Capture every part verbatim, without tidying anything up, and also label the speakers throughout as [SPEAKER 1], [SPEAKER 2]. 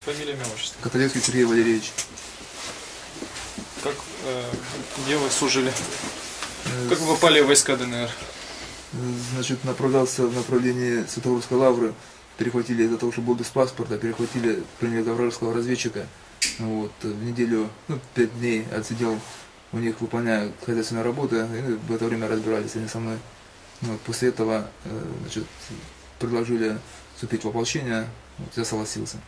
[SPEAKER 1] Фамилия, имя, отчество.
[SPEAKER 2] Каталевский Сергей Валерьевич.
[SPEAKER 1] Как, э, где вы служили? Как вы попали в войска ДНР?
[SPEAKER 2] Значит, направлялся в направлении Святогорской лавры. Перехватили из-за того, что был без паспорта, перехватили, приняли за вражеского разведчика. Вот, в неделю, ну, пять дней отсидел у них, выполняя хозяйственные работы, и в это время разбирались они со мной. Вот, после этого, значит, предложили вступить в ополчение, вот, я согласился.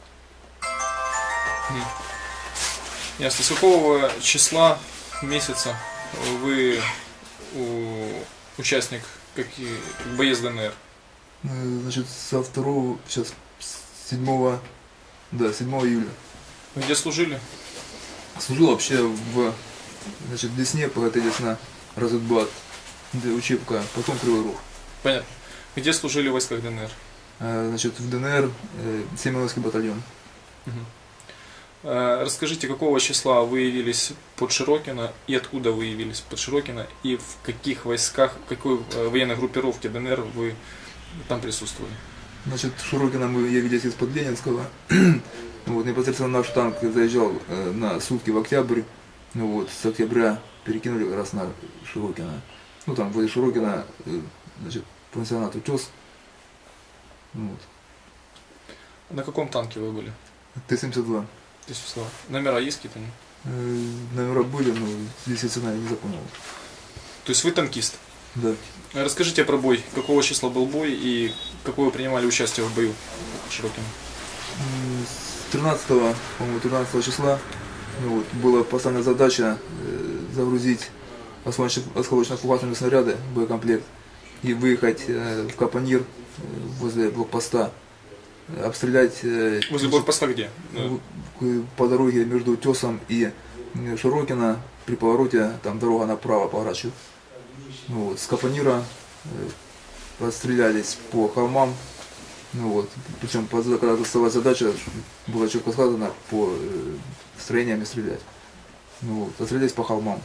[SPEAKER 1] Ясно. С какого числа месяца вы у, участник какие, боец ДНР?
[SPEAKER 2] Значит, со второго, сейчас, седьмого, да, седьмого июля.
[SPEAKER 1] Вы где служили?
[SPEAKER 2] Служил вообще в, значит, Десне, ПГТ Десна, Разутбат, учебка, потом Кривой Рог.
[SPEAKER 1] Понятно. Где служили в войсках ДНР?
[SPEAKER 2] Значит, в ДНР Семеновский батальон.
[SPEAKER 1] Угу. Расскажите, какого числа вы явились под Широкино и откуда вы явились под Широкино и в каких войсках, в какой военной группировке ДНР вы там присутствовали?
[SPEAKER 2] Значит, в Широкино мы явились из-под Ленинского. Вот, непосредственно наш танк заезжал э, на сутки в Октябрь. Ну, вот, с Октября перекинули как раз на Широкино. Ну там возле Широкино, э, значит, пансионат Утес. Вот.
[SPEAKER 1] На каком танке вы были?
[SPEAKER 2] Т семьдесят два.
[SPEAKER 1] Т семьдесят два. Номера есть какие-то?
[SPEAKER 2] Э, номера были, но здесь цена я не запомнил.
[SPEAKER 1] То есть вы танкист?
[SPEAKER 2] Да.
[SPEAKER 1] Расскажите про бой. Какого числа был бой и какое вы принимали участие в бою в Широкино?
[SPEAKER 2] тринадцатого, по-моему, тринадцатого числа, ну, вот, была поставлена задача э, загрузить осколочно-фугасные снаряды, боекомплект, и выехать э, в Капонир э, возле блокпоста, э, обстрелять... Э,
[SPEAKER 1] возле блокпоста где?
[SPEAKER 2] В, по дороге между Утесом и Широкино, при повороте, там дорога направо поворачивает. Ну, вот, с Капонира э, расстрелялись по холмам. Ну вот, причем, когда доставалась задача, было четко сказано по э, строениям стрелять. Ну вот, отстрелялись по холмам.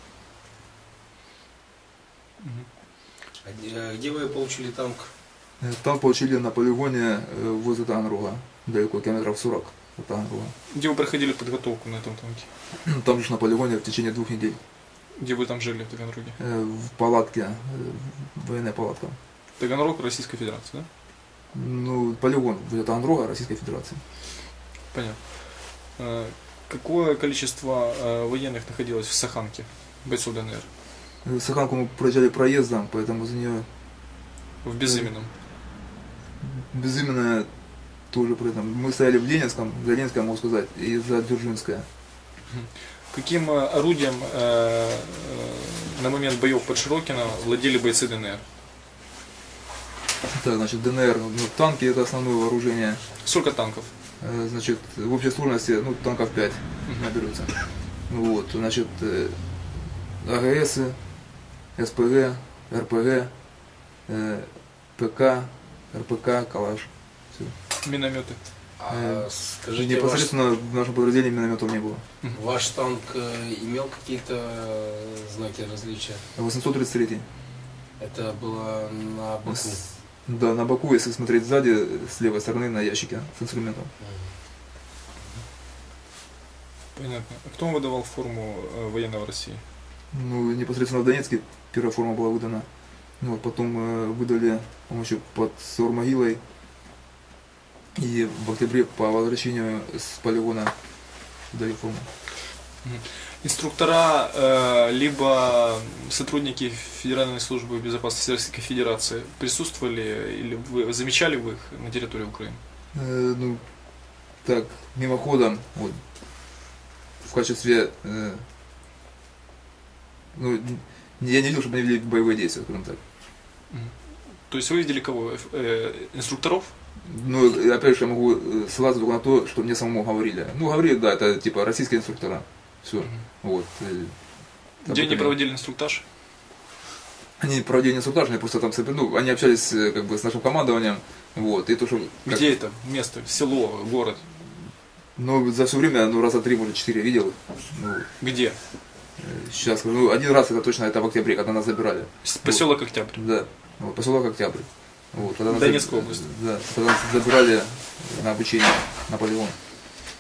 [SPEAKER 3] А где вы получили танк?
[SPEAKER 2] Танк получили на полигоне э, возле Таганрога, далеко, километров сорок от Таганрога.
[SPEAKER 1] Где вы проходили подготовку на этом танке?
[SPEAKER 2] Там же на полигоне в течение двух недель.
[SPEAKER 1] Где вы там жили в Таганроге?
[SPEAKER 2] Э, в палатке, э, военная палатка.
[SPEAKER 1] Таганрог, Российская Федерация, да?
[SPEAKER 2] Ну, полигон будет Таганрога, Российской Федерации.
[SPEAKER 1] Понятно. Какое количество военных находилось в Саханке, бойцов ДНР?
[SPEAKER 2] Саханку мы проезжали проездом, поэтому за нее...
[SPEAKER 1] В Безыменном?
[SPEAKER 2] Безыменная тоже при этом. Мы стояли в Ленинском, за Ленинское, могу сказать, и за Дзержинское.
[SPEAKER 1] Каким орудием э, на момент боев под Широкино владели бойцы ДНР?
[SPEAKER 2] Так, значит, ДНР, ну, танки это основное вооружение.
[SPEAKER 1] Сколько танков?
[SPEAKER 2] Значит, в общей сложности, ну, танков пять
[SPEAKER 1] Uh-huh.
[SPEAKER 2] наберется. Вот, значит, АГС, СПГ, РПГ, ПК, РПК, Калаш. Все.
[SPEAKER 1] Минометы?
[SPEAKER 3] А, скажите,
[SPEAKER 2] непосредственно ваш... в нашем подразделении минометов не было.
[SPEAKER 3] Ваш танк имел какие-то знаки различия?
[SPEAKER 2] восемьсот тридцать три.
[SPEAKER 3] Это было на боку?
[SPEAKER 2] С... Да, на боку, если смотреть сзади, с левой стороны на ящике с инструментом.
[SPEAKER 1] Понятно. А кто вам выдавал форму э, военного России?
[SPEAKER 2] Ну, непосредственно в Донецке первая форма была выдана. Ну, вот потом э, выдали, по-моему, еще под Сор-Могилой. И в октябре по возвращению с полигона дали форму.
[SPEAKER 1] Инструктора, э, либо сотрудники Федеральной службы безопасности Российской Федерации присутствовали или вы замечали вы их на территории Украины?
[SPEAKER 2] Э, ну, так, мимоходом, вот, в качестве, э, ну, я не видел, чтобы они вели боевые действия, скажем так.
[SPEAKER 1] То есть вы видели кого? Э, инструкторов?
[SPEAKER 2] Ну, опять же, я могу ссылаться только на то, что мне самому говорили. Ну, говорили, да, это типа российские инструктора. Все. Угу. Вот.
[SPEAKER 1] Где они проводили инструктаж?
[SPEAKER 2] Они проводили инструктаж, они просто там, ну, они общались как бы с нашим командованием. Вот. И то, что, как...
[SPEAKER 1] Где это место? Село, город?
[SPEAKER 2] Ну, за все время, ну, раза три, может, четыре видел. Ну,
[SPEAKER 1] где?
[SPEAKER 2] Сейчас скажу. Ну, один раз это точно, это в октябре, когда нас забирали.
[SPEAKER 1] Поселок вот. Октябрь?
[SPEAKER 2] Да. Вот, поселок Октябрь. Вот,
[SPEAKER 1] Донецкая область.
[SPEAKER 2] Да, когда нас забирали на обучение на полигон.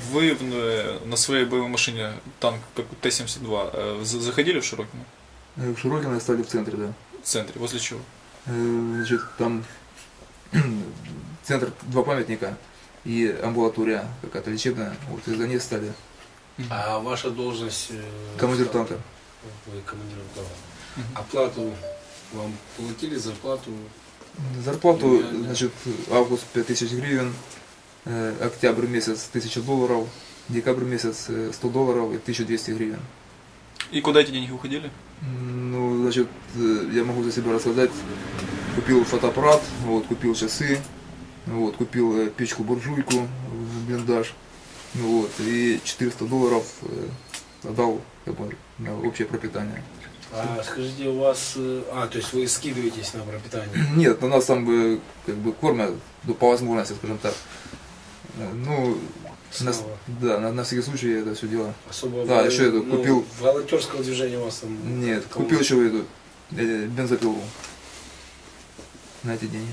[SPEAKER 1] вы в- э, на своей боевой машине, танк, как Т семьдесят два, э, за- заходили в Широкино?
[SPEAKER 2] Э, В Широкино стали в центре, да.
[SPEAKER 1] В центре, возле чего?
[SPEAKER 2] Э, Значит, там центр, два памятника и амбулатория какая-то лечебная. Вот из-за ней стали.
[SPEAKER 3] А ваша должность? э,
[SPEAKER 2] Командир
[SPEAKER 3] что?
[SPEAKER 2] танка.
[SPEAKER 3] Вы командир танка.
[SPEAKER 1] Мгм.
[SPEAKER 3] Оплату вам платили, зарплату?
[SPEAKER 2] Зарплату,
[SPEAKER 3] Реально.
[SPEAKER 2] значит, август пять тысяч гривен, э, октябрь месяц тысяча долларов, декабрь месяц э, сто долларов и тысяча двести гривен.
[SPEAKER 1] И куда эти деньги уходили?
[SPEAKER 2] Ну, значит, э, я могу за себя рассказать. Купил фотоаппарат, вот, купил часы, вот, купил э, печку-буржуйку в блиндаж, ну, вот, и четыреста долларов э, отдал как бы, на общее пропитание.
[SPEAKER 3] А скажите, у вас... э, А, то есть вы скидываетесь на пропитание?
[SPEAKER 2] Нет, у нас там бы как бы кормят, ну, по возможности, скажем так. Э, Ну, на,
[SPEAKER 3] Снова.
[SPEAKER 2] да, на, на всякий случай я это все дело.
[SPEAKER 3] Особо
[SPEAKER 2] Да,
[SPEAKER 3] вы-
[SPEAKER 2] еще это
[SPEAKER 3] ну,
[SPEAKER 2] купил.
[SPEAKER 3] волонтерского движения у вас там...
[SPEAKER 2] Нет,
[SPEAKER 3] такого-
[SPEAKER 2] купил еще эту э, бензопилу на эти деньги.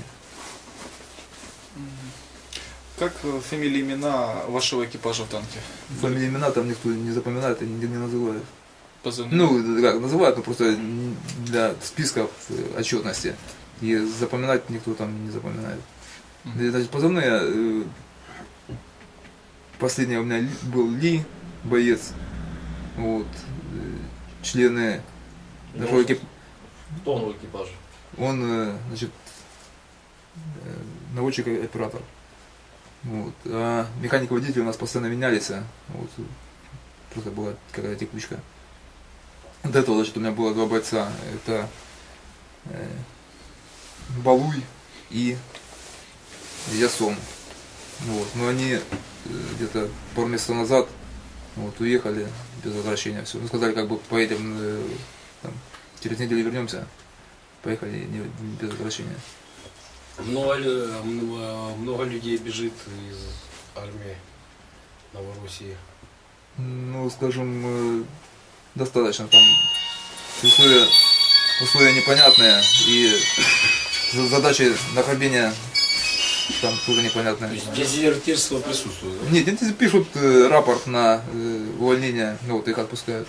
[SPEAKER 1] Как э, фамилии, имена вашего экипажа в танке?
[SPEAKER 2] Фамилии, имена там никто не запоминает и нигде не называет.
[SPEAKER 1] Позывные?
[SPEAKER 2] Ну, как называют, но просто для списков э, отчетности. И запоминать никто там не запоминает.
[SPEAKER 1] Мгм.
[SPEAKER 2] И, значит, позывные, э, последний у меня Ли- был Ли, боец. Вот. э, Члены нашего экипажа.
[SPEAKER 4] Кто он в экипаже?
[SPEAKER 2] Он, э, значит, э, наводчик и оператор. Вот. А механик-водитель у нас постоянно менялись. а, Вот. Просто была какая-то текучка. До этого, значит, у меня было два бойца. Это э, Балуй и Ясон. Вот. Но они э, где-то пару месяцев назад вот, уехали без возвращения. Все. Ну, сказали, как бы поедем э, там, через неделю вернемся. Поехали не, без возвращения.
[SPEAKER 3] Много, лю- много, много людей бежит из армии Новороссии.
[SPEAKER 2] Ну, скажем, э, достаточно. Там условия, условия непонятные и за- задачи нахождения там тоже
[SPEAKER 3] То
[SPEAKER 2] непонятные.
[SPEAKER 3] есть дезертирство присутствует, да?
[SPEAKER 2] Нет, они пишут э, рапорт на э, увольнение, ну вот их отпускают.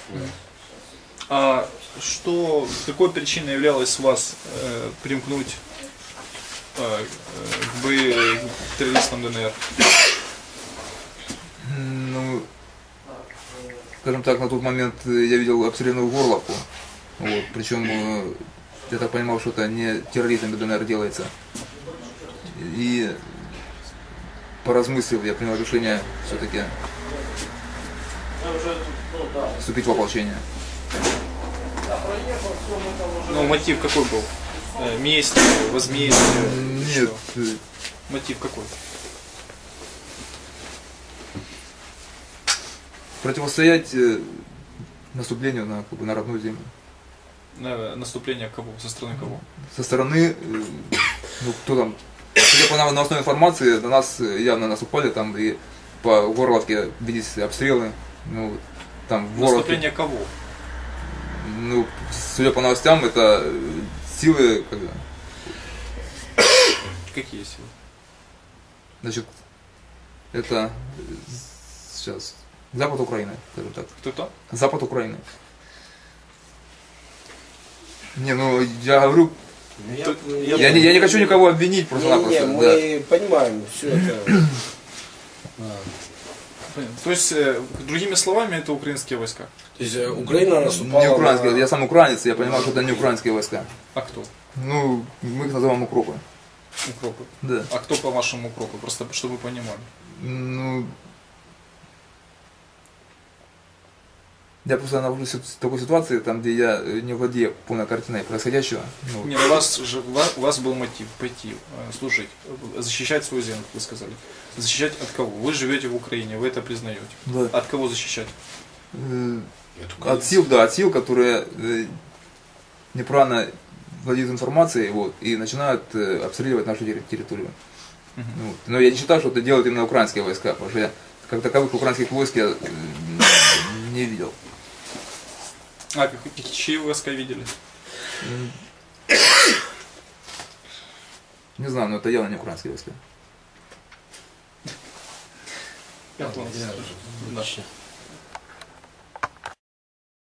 [SPEAKER 1] А что, какой причиной являлось вас э, примкнуть э, к бо- к террористам ДНР?
[SPEAKER 2] Ну, скажем так, на тот момент э, я видел обстрелянную горловку. Вот, причем э, я так понимал, что это не террористами ДНР делается. И поразмыслив, я принял решение все-таки вступить в ополчение.
[SPEAKER 1] Ну, мотив какой был? Э, месть, возмездие?
[SPEAKER 2] Нет,
[SPEAKER 1] Что?
[SPEAKER 2] э,
[SPEAKER 1] Мотив какой?
[SPEAKER 2] противостоять э, наступлению на, как бы, на родную землю.
[SPEAKER 1] На наступление кого? Со стороны кого?
[SPEAKER 2] Со стороны, э, ну кто там, судя по на основной информации, на нас э, явно наступали, там и по Горловке виделись обстрелы, ну, вот, там в Горловке,
[SPEAKER 1] Наступление кого?
[SPEAKER 2] ну, судя по новостям, это э, силы, как бы,
[SPEAKER 1] Какие силы?
[SPEAKER 2] значит, это э, сейчас запад Украины, скажем так,
[SPEAKER 1] Кто там?
[SPEAKER 2] запад Украины. Не, ну я говорю,
[SPEAKER 3] Ну,
[SPEAKER 1] Тут
[SPEAKER 3] ну,
[SPEAKER 1] я
[SPEAKER 2] я не, я не хочу никого обвинить просто-напросто.
[SPEAKER 3] Не, не,
[SPEAKER 2] да.
[SPEAKER 3] мы понимаем все это. А.
[SPEAKER 1] Понятно. То есть, э, другими словами, это украинские войска.
[SPEAKER 3] То есть э, Украина наступала
[SPEAKER 2] Не украинские,
[SPEAKER 3] на-
[SPEAKER 2] я сам украинец, я понимаю, что это не украинские войска.
[SPEAKER 1] А кто?
[SPEAKER 2] Ну, мы их называем укропы.
[SPEAKER 1] Укропы.
[SPEAKER 2] Да.
[SPEAKER 1] А кто, по-вашему, укропы? Просто, чтобы вы понимали.
[SPEAKER 2] Ну, я просто нахожусь в такой ситуации, там, где я э, не владею полной картиной происходящего. Ну,
[SPEAKER 1] Не, у вас же у вас, у вас был мотив пойти э, служить, э, защищать свою землю, как вы сказали. Защищать от кого? Вы живете в Украине, вы это признаете.
[SPEAKER 2] да.
[SPEAKER 1] От кого защищать?
[SPEAKER 2] Э,
[SPEAKER 3] Нет,
[SPEAKER 2] От
[SPEAKER 3] украинцы.
[SPEAKER 2] сил, да, от сил, которые э, неправильно владеют информацией, вот, и начинают э, обстреливать нашу терри- территорию.
[SPEAKER 1] Мгм.
[SPEAKER 2] Ну, вот. Но я не считаю, что это делают именно украинские войска, потому что я как таковых украинских войск я э, не видел.
[SPEAKER 1] А, как, чьи войска видели?
[SPEAKER 2] М. Не знаю, но это явно не украинские войска.
[SPEAKER 1] Пятого.
[SPEAKER 3] Я-
[SPEAKER 1] Да.
[SPEAKER 3] Отлично.